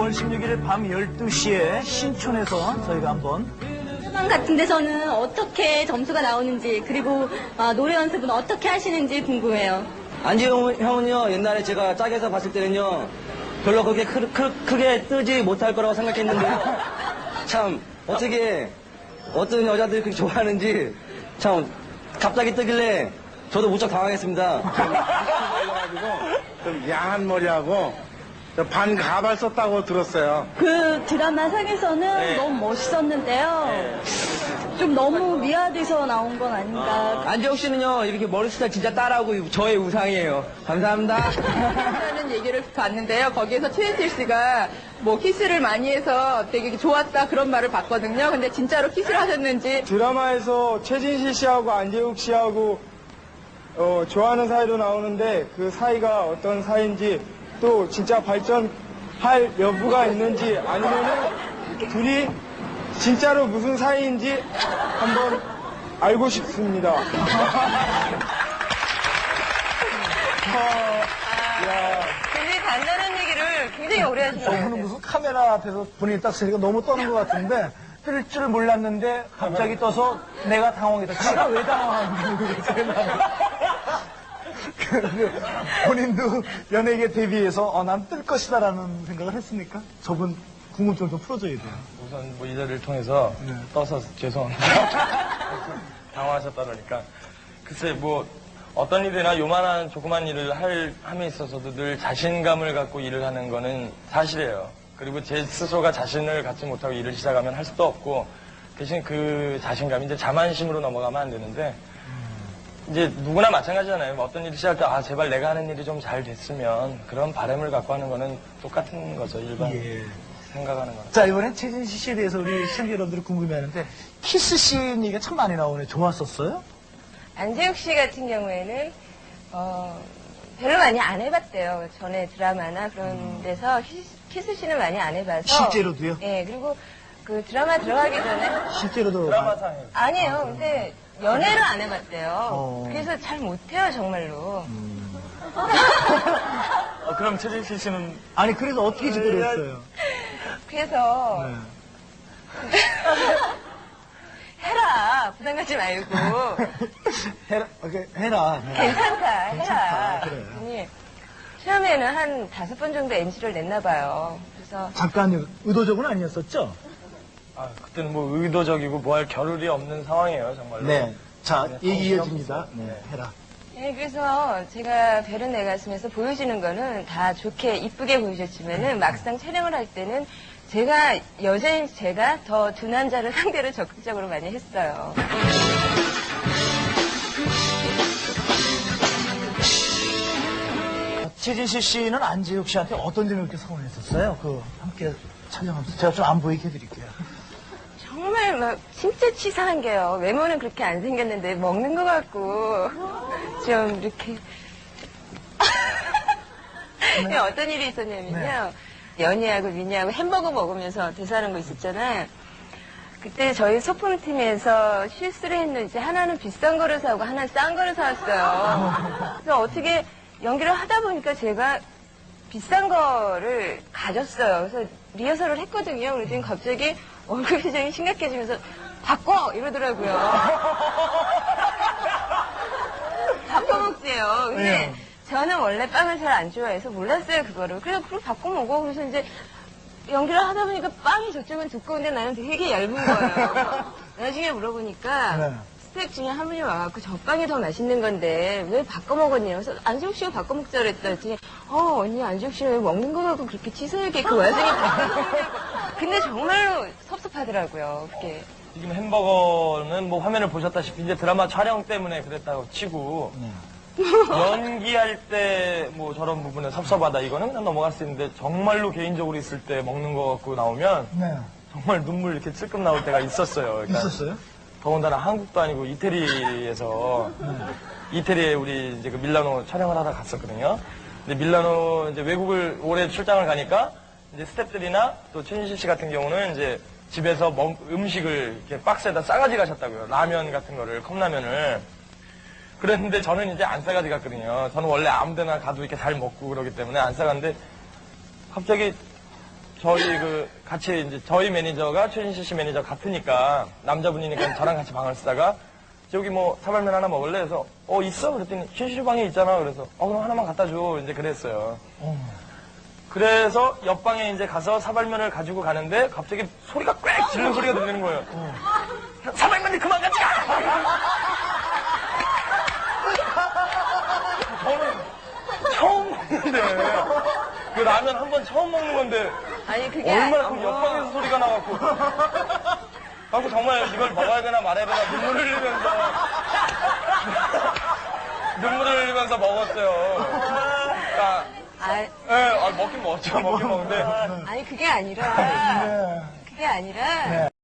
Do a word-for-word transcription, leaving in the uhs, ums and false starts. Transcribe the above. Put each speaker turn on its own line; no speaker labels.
오월 십육일 밤 열두 시에 신촌에서 저희가 한번
드라마 같은 데서는 어떻게 점수가 나오는지 그리고 아, 노래 연습은 어떻게 하시는지 궁금해요.
안지용 형은요, 옛날에 제가 짝에서 봤을 때는요, 별로 그렇게 크, 크, 크게 뜨지 못할 거라고 생각했는데요. 참, 어떻게, 어떤 여자들이 그렇게 좋아하는지, 참, 갑자기 뜨길래, 저도 무척 당황했습니다.
좀 야한 머리하고, 반 가발 썼다고 들었어요.
그 드라마 상에서는
네.
너무 멋있었는데요.
네.
좀 너무 미화돼서 나온 건 아닌가.
안지용 씨는요, 이렇게 머리 스타일 진짜 따라하고 저의 우상이에요. 감사합니다.
하는 얘기를 봤는데요. 거기에서 최인실 씨가 뭐 키스를 많이 해서 되게 좋았다 그런 말을 봤거든요. 근데 진짜로 키스를 하셨는지.
드라마에서 최진실 씨하고 안재욱 씨하고 어, 좋아하는 사이로 나오는데 그 사이가 어떤 사이인지 또 진짜 발전할 여부가 있는지 아니면은 둘이 진짜로 무슨 사이인지 한번 알고 싶습니다. 어,
굉장히 간단한 얘기를 굉장히 오래 하시네요.
저분은 무슨 카메라 앞에서 본인이 딱 쓰니까 너무 떠는 것 같은데 뜰 줄 몰랐는데 갑자기 떠서 내가 당황했다. 제가 왜 당황하는지 본인도 연예계 데뷔해서 어, 난 뜰 것이다라는 생각을 했습니까? 저분 궁금증 좀 풀어줘야 돼요.
우선 뭐 이 자리를 통해서
네.
떠서 죄송합니다. 당황하셨다 그러니까. 글쎄 뭐 어떤 일이나 요만한 조그만 일을 할, 함에 있어서도 늘 자신감을 갖고 일을 하는 거는 사실이에요. 그리고 제 스스로가 자신을 갖지 못하고 일을 시작하면 할 수도 없고 대신 그 자신감이 이제 자만심으로 넘어가면 안 되는데 이제 누구나 마찬가지잖아요. 뭐 어떤 일을 시작할 때 아 제발 내가 하는 일이 좀 잘 됐으면 그런 바람을 갖고 하는 거는 똑같은 거죠. 일반
예.
생각하는 거는.
자, 이번엔 최진실 씨에 대해서 우리 시청자 여러분들이 궁금해하는데 키스씬 얘기가 참 많이 나오네. 좋았었어요?
안재욱 씨 같은 경우에는 어, 별로 많이 안 해봤대요. 전에 드라마나 그런 데서 키스씬을 많이 안 해봐서.
실제로도요?
네, 그리고 그 드라마 들어가기 전에
실제로도
드라마상에.
아니에요. 근데 연애를 안 해봤대요.
어.
그래서 잘 못해요, 정말로.
어, 그럼 최진실 씨는
아니 그래도 어떻게 지도를 했어요?
그래서
네.
해라. 부담 갖지 말고.
해라, 오케이, 해라. 해라.
괜찮다, 해라.
괜찮다, 그래.
그랬더니 처음에는 한 다섯 번 정도 엔지를 냈나 봐요. 그래서
잠깐 의도적은 아니었었죠?
아, 그때는 뭐 의도적이고 뭐 할 겨를이 없는 상황이에요, 정말로.
네. 자,
그냥
얘기
정신없었어요.
이어집니다. 네, 해라.
네, 그래서 제가 별은 내 가슴에서 보여지는 거는 다 좋게 이쁘게 보여줬지만은 막상 촬영을 할 때는 제가 여자인 제가 더 두 남자를 상대로 적극적으로 많이 했어요.
최진실 씨는 안재욱 씨한테 어떤 점이 그렇게 서운했었어요? 그 함께 촬영하면서 제가 좀 안 보이게 해드릴게요.
정말 막 진짜 치사한 게요. 외모는 그렇게 안 생겼는데 먹는 것 같고 좀 이렇게
네.
어떤 일이 있었냐면요. 연희하고 민희하고 햄버거 먹으면서 대사하는 거 있었잖아요. 그때 저희 소품팀에서 실수를 했는지 하나는 비싼 거를 사고 하나는 싼 거를 사왔어요. 그래서 어떻게 연기를 하다 보니까 제가 비싼 거를 가졌어요. 그래서 리허설을 했거든요. 그랬더니 갑자기 얼굴 표정이 심각해지면서 바꿔! 이러더라고요. 바꿔 먹지요. 근데
네.
저는 원래 빵을 잘 안 좋아해서 몰랐어요, 그거를. 그래서 그걸 바꿔 먹어. 그래서 이제 연기를 하다 보니까 빵이 저쪽은 두꺼운데 나는 되게 얇은 거예요. 나중에 물어보니까
네.
스태프 중에 한 분이 와갖고 저 빵이 더 맛있는 건데 왜 바꿔 먹었냐고. 그래서 안재욱 씨가 바꿔 먹자 그랬더니 어 언니 안재욱 씨는 왜 먹는 거 갖고 그렇게 치사하게 그 와중에 바꿔 먹냐고. 근데 정말로 섭섭하더라고요. 그게.
지금 햄버거는 뭐 화면을 보셨다시피 이제 드라마 촬영 때문에 그랬다고 치고
네.
연기할 때 뭐 저런 부분에 섭섭하다 이거는 그냥 넘어갈 수 있는데 정말로 개인적으로 있을 때 먹는 거 갖고 나오면
네.
정말 눈물 이렇게 찔끔 나올 때가 있었어요. 그러니까
있었어요?
더군다나 한국도 아니고 이태리에서 이태리에 우리 이제 그 밀라노 촬영을 하다 갔었거든요. 근데 밀라노 이제 외국을 오래 출장을 가니까 이제 스태프들이나 또 최진실 씨 같은 경우는 이제 집에서 먹, 음식을 이렇게 박스에다 싸가지 가셨다고요. 라면 같은 거를, 컵라면을. 그랬는데 저는 이제 안 싸가지 갔거든요. 저는 원래 아무 데나 가도 이렇게 잘 먹고 그러기 때문에 안 싸갔는데 갑자기 저희 그 같이 이제 저희 매니저가 최진실 씨 매니저 같으니까 남자분이니까 저랑 같이 방을 쓰다가 저기 뭐 사발면 하나 먹을래? 해서 어 있어? 그랬더니 최진실 방에 있잖아. 그래서 어 그럼 하나만 갖다 줘. 이제 그랬어요. 그래서 옆방에 이제 가서 사발면을 가지고 가는데 갑자기 소리가 꽥 지르는 소리가 들리는 거예요. 사발면이 그만 가자! 저는 처음 먹는데 그 라면 한 번 처음 먹는 건데
아니, 그게
얼마나
아니-
그 옆방에서 소리가 나갖고 하고 정말 이걸 먹어야 되나 말아야 되나 눈물을 흘리면서 눈물을 흘리면서 먹었어요. 그러니까
아,
예, 아, 먹긴 먹었죠. 먹긴 먹는데
아니, 그게 아니라, 그게 아니라,